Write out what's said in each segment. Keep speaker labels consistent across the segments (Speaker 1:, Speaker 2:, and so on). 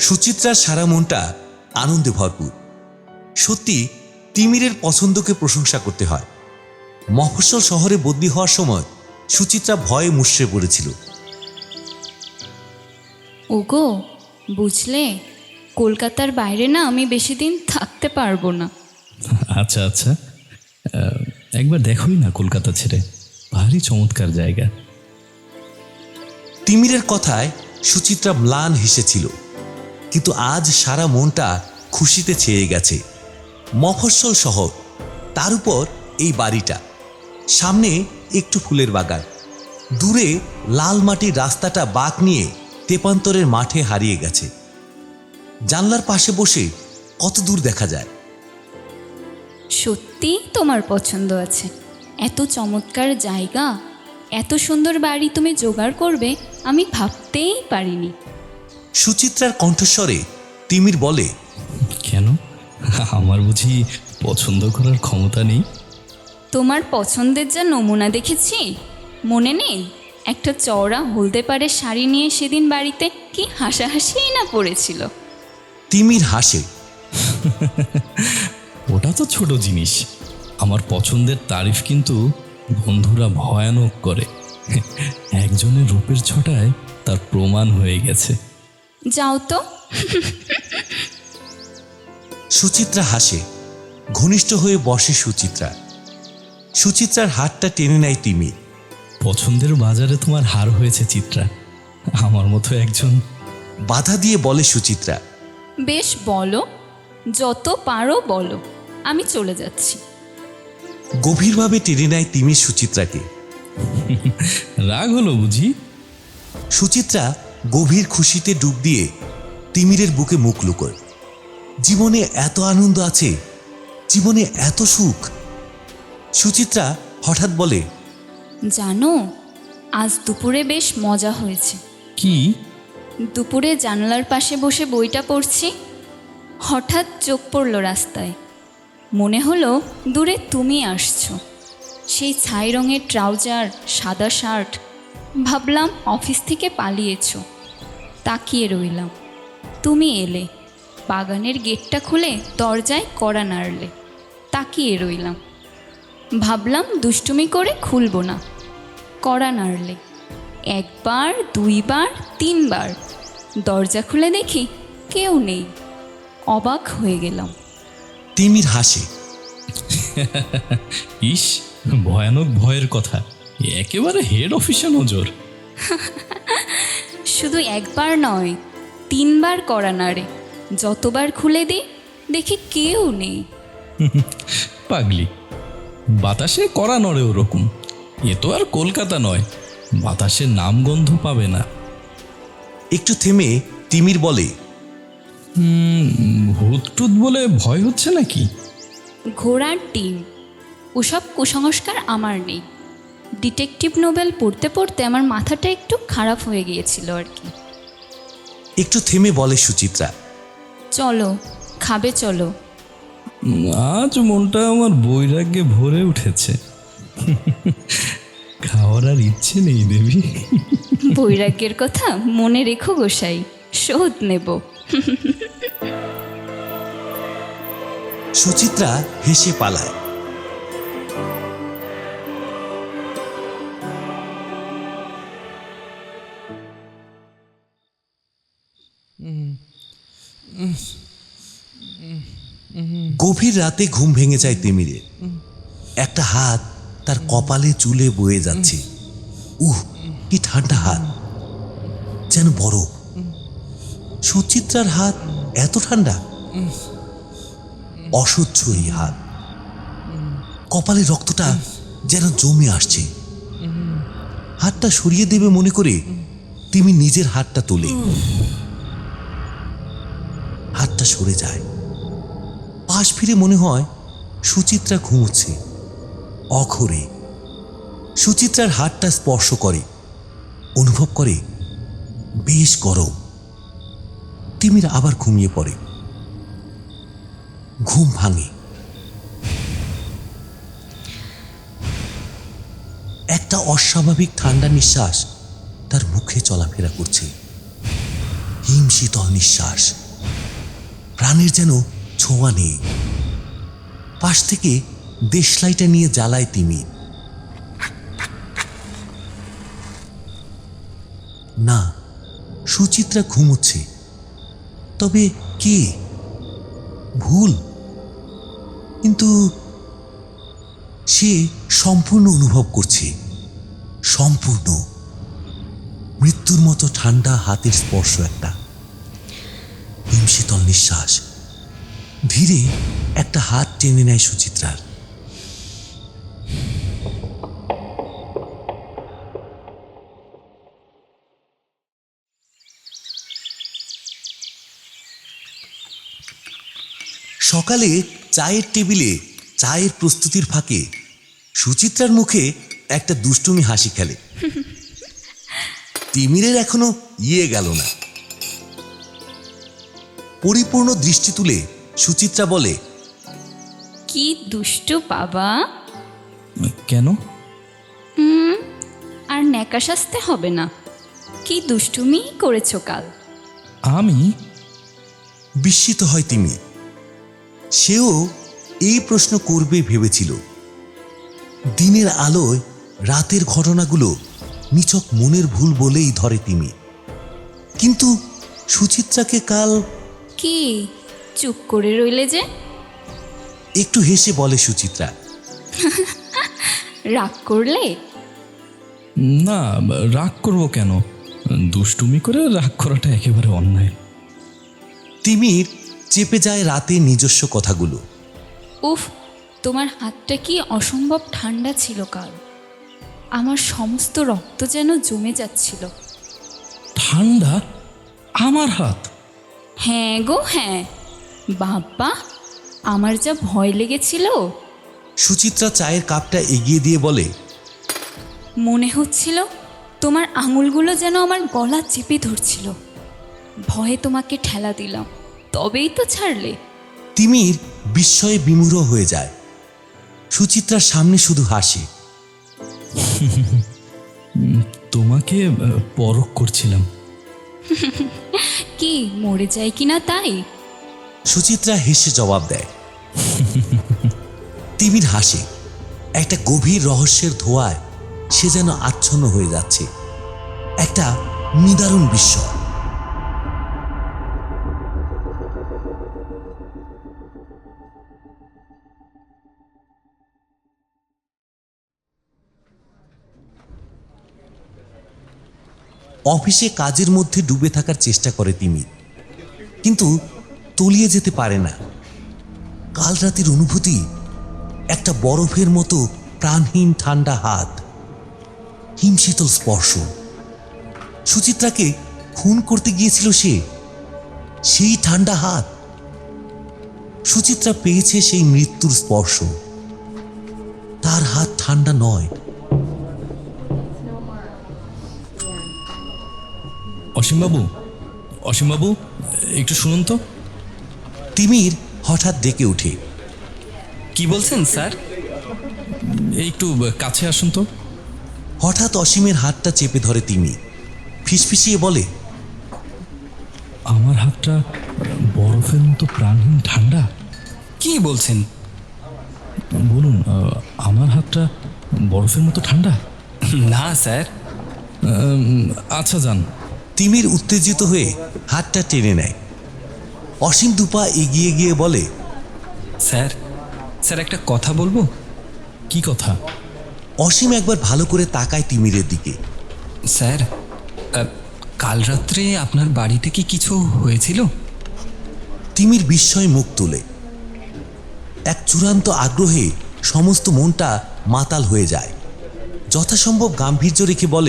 Speaker 1: সুচিত্রার সারা মনটা আনন্দে ভরপুর। সত্যি তিমিরের পছন্দকে প্রশংসা করতে হয়। মফস্বল শহরে বদলি হওয়ার সময় সুচিত্রা ভয়ে মুষড়ে পড়েছিল।
Speaker 2: ওগো, বুঝলে, কলকাতার বাইরে না আমি বেশি দিন থাকতে পারবো না।
Speaker 3: আচ্ছা আচ্ছা, একবার দেখোই না কলকাতা ছেড়ে, ভারী চমৎকার জায়গা।
Speaker 1: তিমিরের কথায় সুচিত্রা ম্লান হেসেছিল, কিন্তু আজ সারা মনটা খুশিতে ছেয়ে গেছে। মফস্বল শহর, তার উপর এই বাড়িটা, সামনে একটু ফুলের বাগান, দূরে লাল মাটির রাস্তাটা বাঁক নিয়ে তেপান্তরের মাঠে হারিয়ে গেছে। জানলার পাশে বসে কত দূর দেখা যায়।
Speaker 2: সত্যি তোমার পছন্দ আছে। এত চমৎকার জায়গা, এত সুন্দর বাড়ি তুমি জোগাড় করবে আমি ভাবতেই পারিনি।
Speaker 1: সুচিত্রার কণ্ঠস্বরে তিমির বলে,
Speaker 3: কেন, আমার বুঝি পছন্দ করার ক্ষমতা নেই?
Speaker 2: তোমার পছন্দের যা নমুনা দেখেছি, মনে নেই একটা চওড়া হলদে পাড়ের শাড়ি নিয়ে সেদিন বাড়িতে কি হাসাহাসিই না পড়েছিল।
Speaker 1: তিমির হাসে।
Speaker 3: ওটা তো ছোট জিনিস, আমার পছন্দের তারিফ কিন্তু বন্ধুরা ভয়ানক করে। একজনের রূপের ছটায় তার প্রমাণ হয়ে গেছে।
Speaker 2: যাও তো।
Speaker 1: সুচিত্রা হাসে, ঘনিষ্ঠ হয়ে বসে সুচিত্রা। সুচিত্রার হাতটা টেনে নেয় তিমি।
Speaker 3: পছন্দের বাজারে তোমার হার হয়েছে চিত্রা, আমার মতো একজন।
Speaker 1: বাধা দিয়ে বলে সুচিত্রা।
Speaker 2: বেশ, বলো, যত পারো বলো, আমি চলে যাচ্ছি।
Speaker 1: গভীরভাবে টেনে নেয় তিমি সুচিত্রাকে।
Speaker 3: রাগ হলো বুঝি?
Speaker 1: সুচিত্রা গভীর খুশিতে ডুব দিয়ে তিমিরের বুকে মুখ লুকোয়। জীবনে এত আনন্দ আছে, জীবনে এত সুখ। সুচিত্রা হঠাৎ বলে,
Speaker 2: জানো, আজ দুপুরে বেশ মজা হয়েছে।
Speaker 3: কি?
Speaker 2: দুপুরে জানালার পাশে বসে বইটা পড়ছি, হঠাৎ চোখ পড়ল রাস্তায়। মনে হলো দূরে তুমি আসছো, সেই ছাই রঙের ট্রাউজার, সাদা শার্ট। ভাবলাম অফিস থেকে পালিয়েছো। তাকিয়ে রইলাম, তুমি এলে, বাগানের গেটটা খুলে দরজায় কড়া নাড়লে। তাকিয়ে রইলাম, ভাবলাম দুষ্টুমি করে খুলবো না। কড়া নাড়লে, একবার, দুইবার, তিনবার। দরজা খুলে দেখি কেউ নেই। অবাক হয়ে গেলাম।
Speaker 1: তিমির হাসে।
Speaker 3: ইস, ভয়ানক ভয়ের কথা, একেবারে হেড অফিসে নজর।
Speaker 2: শুধু একবার নয়, তিনবার কড়া নাড়ে। যতবার খুলে দিই দেখি কেউ নেই।
Speaker 3: পাগলি, বাতাসে কড়া নড়ে ওরকম। এ তো আর কলকাতা নয়, বাতাসের নামগন্ধ পাবে না।
Speaker 1: একটু থেমে তিমির বলে,
Speaker 3: ভূত টুত বলে ভয় হচ্ছে নাকি?
Speaker 2: ঘোড়ার ডিম, ওসব কুসংস্কার আমার নেই। ডিটেকটিভ নোবেল পড়তে পড়তে আমার মাথাটা একটু খারাপ হয়ে গিয়েছিল আর কি।
Speaker 1: একটু থেমে বলে সুচিত্রা,
Speaker 2: চলো, খাবে চলো।
Speaker 3: আজ মনটা আমার বৈরাগ্যে ভরে উঠেছে। খাওয়ার আর ইচ্ছে নেই দেবী।
Speaker 2: বৈরাগ্যের কথা মনে রেখো গোসাই, শোধ নেব।
Speaker 1: সুচিত্রা হেসে পালায়। গভীর রাতে ঘুম ভেঙে যায় তিমিরের। একটা হাত তার কপালে চুলে বয়ে যাচ্ছে। কি ঠান্ডা হাত, যেন বরফ। সুচিত্রার হাত এত ঠান্ডা, অসহ্য এই হাত। কপালে রক্তটা যেন জমে আসছে। হাতটা সরিয়ে দেবে মনে করে তিমি নিজের হাতটা তোলে। হাতটা সরে যায়। পাশ ফিরে মনে হয় সুচিত্রা ঘুমোচ্ছে অঘরে। সুচিত্রার হাতটা স্পর্শ করে, অনুভব করে বেশ গরম। তিমির আবার ঘুমিয়ে পড়ে। ঘুম ভাঙে। একটা অস্বাভাবিক ঠান্ডা নিঃশ্বাস তার মুখে চলাফেরা করছে। হিমশীতল নিঃশ্বাস, প্রাণের যেন ছোঁয়া নেই। পাশ থেকে দেশলাইটা নিয়ে জ্বালায় তিমি। না, সুচিত্রা ঘুমোচ্ছে। তবে কে? ভুল, কিন্তু সে সম্পূর্ণ অনুভব করছে, সম্পূর্ণ। মৃত্যুর মতো ঠান্ডা হাতের স্পর্শ, একটা হিমশীতল নিঃশ্বাস। ধীরে একটা হাত টেনে নেয় সুচিত্রার। সকালে চায়ের টেবিলে চায়ের প্রস্তুতির ফাঁকে সুচিত্রার মুখে একটা দুষ্টুমি হাসি খেলে। তিমিরের এখনো গেল না। পরিপূর্ণ দৃষ্টি তুলে সুচিত্রা বলে,
Speaker 2: কি দুষ্টু বাবা।
Speaker 3: কেন?
Speaker 2: আর ন্যাকা সাজতে হবে না। কি দুষ্টুমি করেছো কাল?
Speaker 3: আমি?
Speaker 1: বিস্মিত হয় তিমি। সেও এই প্রশ্ন করবে ভেবেছিল। দিনের আলোয় রাতের ঘটনাগুলো নিছক মনের ভুল বলেই ধরে তিমি। কিন্তু সুচিত্রাকে কাল
Speaker 2: কি চুপ করে রইলে যে?
Speaker 1: একটু হেসে বলে সুচিত্রা,
Speaker 2: রাগ করলে?
Speaker 3: না, রাগ করব কেন? দুষ্টুমি করে রাগ করাটা একেবারে অন্যায়।
Speaker 1: তিমির চেপে যায় রাতে নিজস্ব কথাগুলো।
Speaker 2: উফ, তোমার হাতটা কি অসম্ভব ঠান্ডা ছিল কাল। আমার সমস্ত রক্ত যেন জমে যাচ্ছিল।
Speaker 3: ঠান্ডা? আমার হাত?
Speaker 2: হ্যাঁ গো হ্যাঁ, বাবা আমার যা ভয় লেগেছিল।
Speaker 1: সুচিত্রা চায়ের কাপটা এগিয়ে দিয়ে বলে,
Speaker 2: মনে হচ্ছিল তোমার আঙুলগুলো যেন আমার গলা চেপে ধরছিল। ভয়ে তোমাকে ঠেলা দিলাম, তবেই তো ছাড়লে।
Speaker 1: তিমির বিস্ময়ে বিমূঢ় হয়ে যায়। সুচিত্রার সামনে শুধু হাসে।
Speaker 3: তোমাকে পরখ করছিলাম।
Speaker 2: কি মরে যায় কিনা তাই?
Speaker 1: সুচিত্রা হেসে জবাব দেয়। তিমির হাসে। একটা গভীর রহস্যের ধোঁয়ায় সে যেন আচ্ছন্ন হয়ে যাচ্ছে। একটা নিদারুণ বিস্ময়। অফিসে কাজের মধ্যে ডুবে থাকার চেষ্টা করে তিমি, কিন্তু তলিয়ে যেতে পারে না। কাল রাতের অনুভূতি একটা বরফের মতো প্রাণহীন ঠান্ডা হাত, হিমশীতল স্পর্শ। সুচিত্রাকে খুন করতে গিয়েছিল সে, সেই ঠান্ডা হাত। সুচিত্রা পেয়েছে সেই মৃত্যুর স্পর্শ। তার হাত ঠান্ডা নয়।
Speaker 3: অসীমবাবু, অসীমবাবু, একটু শুনুন তো।
Speaker 1: তিমির হঠাৎ ডেকে ওঠে।
Speaker 4: কি বলছেন স্যার?
Speaker 3: একটু কাছে আসুন তো।
Speaker 1: হঠাৎ অসীমের হাতটা চেপে ধরে তিমি, ফিসফিসিয়ে বলে,
Speaker 3: আমার হাতটা বরফের মতো প্রাণহীন ঠান্ডা।
Speaker 4: কি বলছেন?
Speaker 3: বলুন, আমার হাতটা বরফের মতো ঠান্ডা?
Speaker 4: না স্যার।
Speaker 3: আচ্ছা যান।
Speaker 1: তিমির উত্তেজিত হয়ে হাতটা টেনে নেয়। অসীম দুপা এগিয়ে গিয়ে বলে,
Speaker 4: স্যার, স্যার একটা কথা বলবো।
Speaker 3: কি কথা?
Speaker 1: অসীম একবার ভালো করে তাকায় তিমিরের দিকে।
Speaker 4: স্যার, কাল রাত্রে আপনার বাড়িতে কি কিছু হয়েছিল?
Speaker 1: তিমির বিস্ময় মুখ তুলে। এক চূড়ান্ত আগ্রহে সমস্ত মনটা মাতাল হয়ে যায়। যথাসম্ভব গাম্ভীর্য রেখে বলে,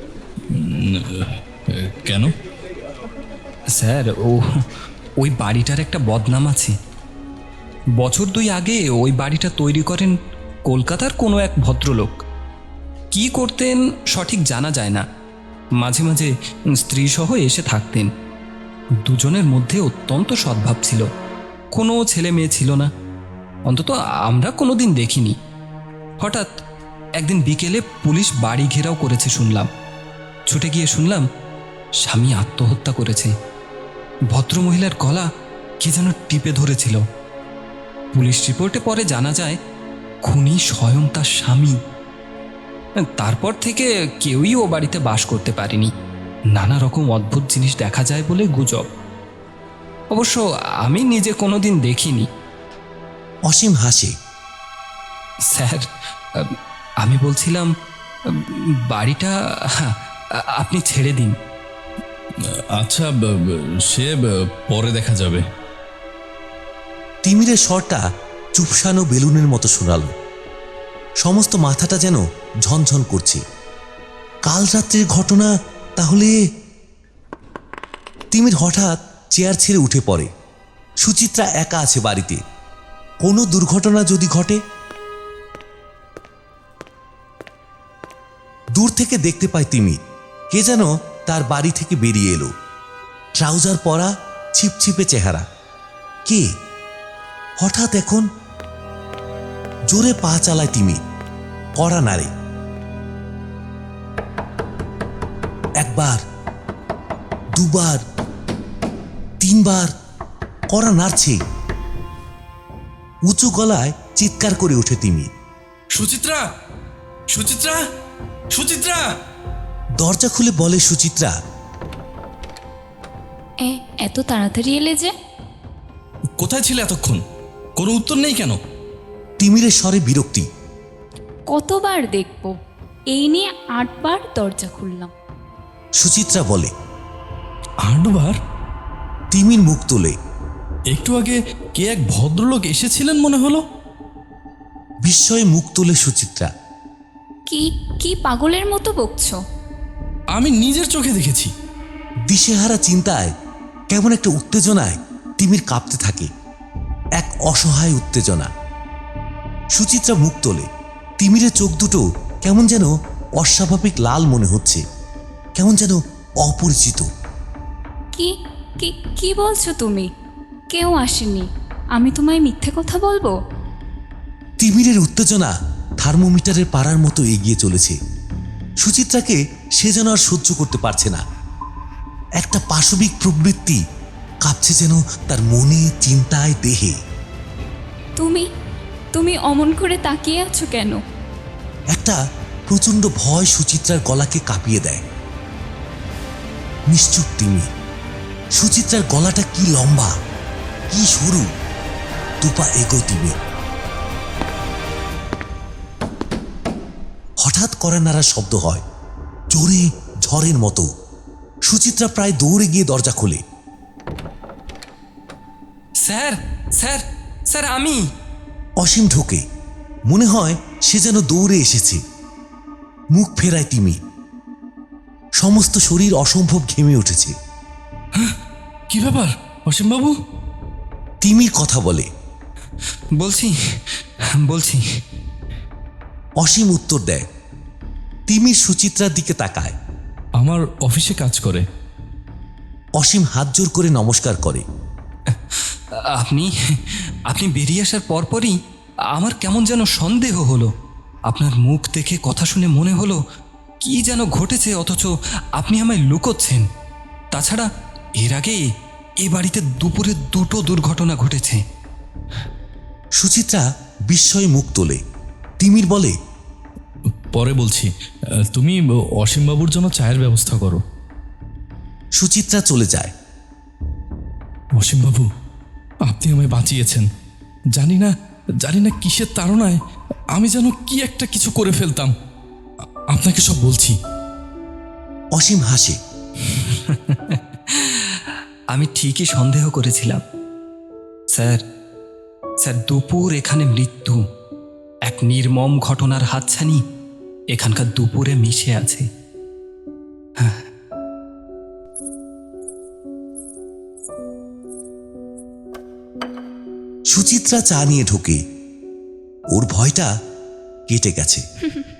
Speaker 3: কেন?
Speaker 4: স্যার, ওই বাড়িটার একটা বদনাম আছে। বছর 2 আগে ওই বাড়িটা তৈরি করেন কলকাতার কোনো এক ভদ্রলোক। কি করতেন সঠিক জানা যায় না। মাঝে মাঝে স্ত্রী সহ এসে থাকতেন। দুজনের মধ্যে অত্যন্ত সদ্ভাব ছিল। কোনো ছেলে মেয়ে ছিল না, অন্তত আমরা কোনোদিন দেখিনি। হঠাৎ একদিন বিকেলে পুলিশ বাড়ি ঘেরাও করেছে শুনলাম। ছুটে গিয়ে শুনলাম স্বামী আত্মহত্যা করেছে। ভদ্রমহিলার গলা কে যেন টিপে ধরেছিল। পুলিশ রিপোর্টে পরে জানা যায় খুনি স্বয়ং তার স্বামী। তারপর থেকে কেউই ও বাড়িতে বাস করতে পারেনি। নানা রকম অদ্ভুত জিনিস দেখা যায় বলে গুজব। অবশ্য আমি নিজে কোনোদিন দেখিনি।
Speaker 1: অসীম হাসে।
Speaker 4: স্যার, আমি বলছিলাম বাড়িটা আপনি ছেড়ে দিন।
Speaker 3: আচ্ছা, সে পরে দেখা যাবে।
Speaker 1: তিমিরের স্বরটা চুপসানো বেলুনের মতো শোনালো। সমস্ত মাথাটা যেন ঝনঝন করছে। কাল রাত্রের ঘটনা তাহলে? তিমির হঠাৎ চেয়ার ছেড়ে উঠে পড়ে। সুচিত্রা একা আছে বাড়িতে। কোনো দুর্ঘটনা যদি ঘটে? দূর থেকে দেখতে পায় তিমির কে যেন তার বাড়ি থেকে বেরিয়ে এলো। ট্রাউজার পরা, ছিপছিপে চেহারা। কে? হঠাৎ এখন জোরে পা চালায় তিমির, কড়া নাড়ে। একবার, দুবার, তিনবার কড়া নাড়ছে। উঁচু গলায় চিৎকার করে ওঠে তিমির,
Speaker 3: সুচিত্রা! সুচিত্রা! সুচিত্রা!
Speaker 1: দরজা খুলে বলে সুচিত্রা,
Speaker 2: এত তাড়াতাড়ি এলে যে?
Speaker 3: কোথায় ছিলে এতক্ষণ? কোনো উত্তর নেই কেন?
Speaker 1: তিমিরের স্বরে বিরক্তি।
Speaker 2: কতবার দেখব? এই নিয়ে 8 বার দরজা খুললাম।
Speaker 1: সুচিত্রা বলে।
Speaker 3: 8 বার?
Speaker 1: তিমির মুখ তোলে।
Speaker 3: একটু আগে কে এক ভদ্রলোক এসেছিলেন মনে হলো।
Speaker 1: বিস্ময়ে মুখ তোলে সুচিত্রা।
Speaker 2: কি কি পাগলের মতো বকছো?
Speaker 3: আমি নিজের চোখে দেখেছি।
Speaker 1: দিশেহারা চিন্তায়, কেমন একটা উত্তেজনায় তিমির কাঁপতে থাকে। এক অসহায় উত্তেজনা। সুচিত্রা মুখ তোলে। তিমিরের চোখ দুটো কেমন যেন অস্বাভাবিক লাল মনে হচ্ছে, কেমন যেন অপরিচিত।
Speaker 2: কি কি কি বলছো তুমি? কেউ আসেনি। আমি তোমায় মিথ্যে কথা বলবো?
Speaker 1: তিমিরের উত্তেজনা থার্মোমিটারের পাড়ার মতো এগিয়ে চলেছে। সুচিত্রাকে সে যেন আর সহ্য করতে পারছে না। একটা পাশবিক প্রবৃত্তি কাঁপছে যেন তার মনে, চিন্তায়, দেহে।
Speaker 2: তুমি তুমি অমন করে তাকিয়ে আছো কেন?
Speaker 1: একটা প্রচন্ড ভয় সুচিত্রার গলাকে কাঁপিয়ে দেয়। নিশ্চুপ তিমির। সুচিত্রার গলাটা কি লম্বা, কি সরু। দুপা এগো তিমির। হঠাৎ কড়া নাড়ার শব্দ হয়, জোরে, ঝড়ের মতো। সুচিত্রা প্রায় দৌড়ে গিয়ে দরজা খোলে।
Speaker 4: স্যার, স্যার, স্যার, আমি।
Speaker 1: অসীম ঢোকে। মনে হয় সে যেন দৌড়ে এসেছে। মুখ ফেরায় তিমির। সমস্ত শরীর অসম্ভব ঘেমে উঠেছে।
Speaker 3: কি ব্যাপার অসীমবাবু?
Speaker 1: তিমির কথা বলে।
Speaker 4: বলছি বলছি
Speaker 1: অসীম উত্তর দেয়। তিমির সুচিত্রার দিকে তাকায়।
Speaker 3: আমার অফিসে কাজ করে।
Speaker 1: অসীম হাত জোর করে নমস্কার করে।
Speaker 4: আপনি আপনি বেরিয়ে আসার পরপরই আমার কেমন যেন সন্দেহ হলো। আপনার মুখ দেখে, কথা শুনে মনে হলো কি যেন ঘটেছে, অথচ আপনি আমায় লুকোচ্ছেন। তাছাড়া এর আগে এ বাড়িতে দুপুরে 2টো দুর্ঘটনা ঘটেছে।
Speaker 1: সুচিত্রা বিস্ময়ে মুখ তোলে। তিমির বলে,
Speaker 3: পরে বলছি। তুমি অসীমবাবুর জন্য চায়ের ব্যবস্থা করো।
Speaker 1: সুচিত্রা চলে যায়।
Speaker 3: অসীমবাবু, আপনি আমায় বাঁচিয়েছেন। জানি না কিসের তাড়নায় আমি যেন কি একটা কিছু করে ফেলতাম। আপনাকে সব বলছি।
Speaker 1: অসীম হাসে।
Speaker 4: আমি ঠিকই সন্দেহ করেছিলাম। স্যার, দুপুর এখানে মৃত্যু। এক নির্মম ঘটনার হাতছানি এখানকার দুপুরে মিশে আছে।
Speaker 1: সুচিত্রা চা নিয়ে ঢোকে। ওর ভয়টা কেটে গেছে।